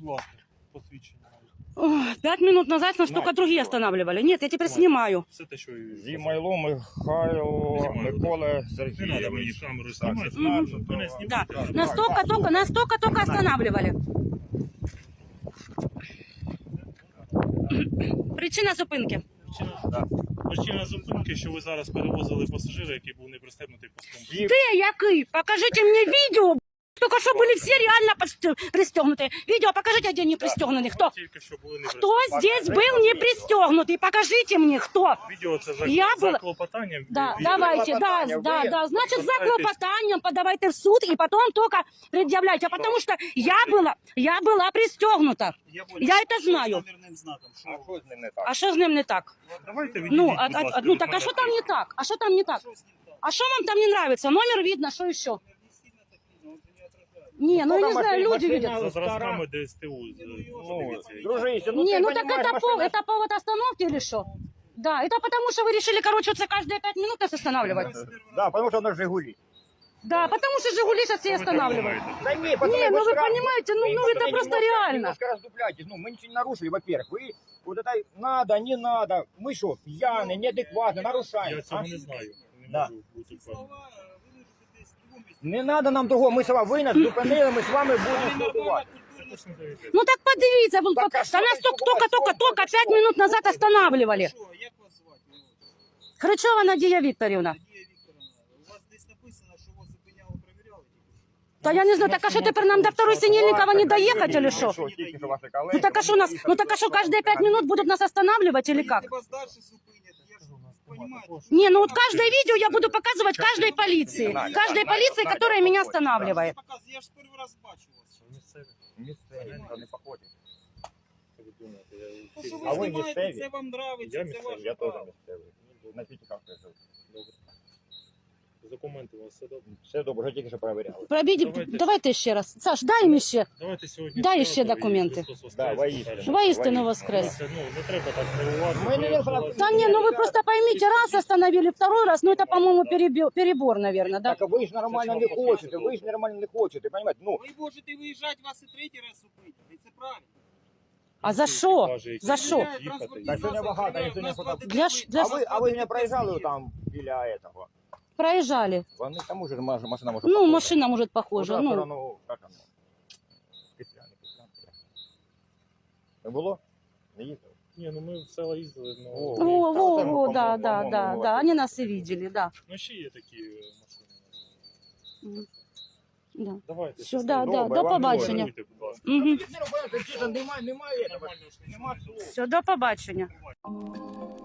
будь ласка, посвідчення. 5 минут назад нас только другие останавливали. Нет, я теперь снимаю. Все те, що... Зімайло Михайло Микола Не треба мені Сергійович. камеру знімати. Мене знімати. Да. Так. Нас только останавливали. Причина зупинки. Причина зупинки, що ви зараз перевозили пасажира, який був не пристебнутий паском. Ты, який? Покажите мне видео. Только что были все реально пристегнутые. Видео покажите, где не пристегнутые. Кто? Тільки що були не Кто здесь был не пристегнутый? Покажите мне, кто. Відео це за, Я за була- клопотанням. Да, Відео. давайте, да. Значит, за клопотанием подавайте в суд и потом только предъявляйте. Потому что я была пристегнута. Я это знаю. А що з ним не так? А что с ним не так? Давайте відійдіть, Ну, будь ласка, ну від так а мене. что там не так? А что там не так? А что вам там не нравится? Номер видно, что еще? Не, ну я не знаю, люди видят. За зразками ДСТУ. Дружище, Не, ти ну так понімаєш, это повод остановки или что? Да, это потому что вы решили, короче, вот каждые 5 минут нас останавливать. Да, потому що вона Жигулі. Да, потому что «Жигули» сейчас все останавливают. Да не, Не, ну вы понимаете, ну это просто реально. Немножко раздупляйтесь. Ну, мы ничего не нарушили, во-первых. Вы вот это надо, не надо. Мы что, пьяные, неадекватные, нарушаем. Я цього не знаю. Не Да. можу бути впевнений. Не надо нам того, ми з вами, ви нас зупинили, ми з вами будемо спілкуватися. Ну так подивіться, вон, Так, а да що нас ви только 5 минут назад останавливали. Як вас звати? Хричова Надія Вікторівна. Надія Вікторовна, у вас десь написано, що вас зупиняли, перевіряли? Та я не знаю, так а що тепер нам до второй Синельникова не доехать или что? Ну так а что нас, ну так а что каждые 5 минут будут нас останавливать или как? Якщо вас далі зупинять, я ж понимаете, Не, ну вот каждое видео я буду показывать каждой полиции. Каждой полиции, которая меня останавливает. я ж перший раз бачу вас. Місцеві, не походять. То, що А ви ви знімаєте, місцеві? це вам нравиться, Я це місцевий, ваше Я теж право. місцевий. На П'ятиках живу. Добре. Документи у вас все добре? Все добре, вже тільки що перевіряли. Давайте ще раз. Саш, дай їм ще. Давайте сьогодні. Дай вчора, ще і документи. Христос воскрес, Да, воістину. скажемо. Воістину воскрес. Ну, не треба так нервувати. Ми не нервувати. Да не, ну вы просто поймите, раз остановили, второй раз, ну это, по-моему, перебор, наверное, да? Так, а ви ж нормально не хочете, ви ж нормально не хочете, понимаете? Ну, Ви можете виїжджати, вас і третій раз зупинять, і це правильно. А за що? За що? так сьогодні багато, я сьогодні фото... Для А ви не проїжджали там біля этого? проезжали. Вони там уже машина може Ну, похожа. машина, может, похожа. Ну, Ну, сторону, как оно? Петля, не петля. Не було? Не їхав? Ні, ну ми в село їздили, ну... во, да. Они нас и видели, да. Ну, ще є такі машини. Да. Давайте. Все, щасливо. да, до побачення. Даруйте, будь ласка. Угу. Немає, немає. Все, до побачення.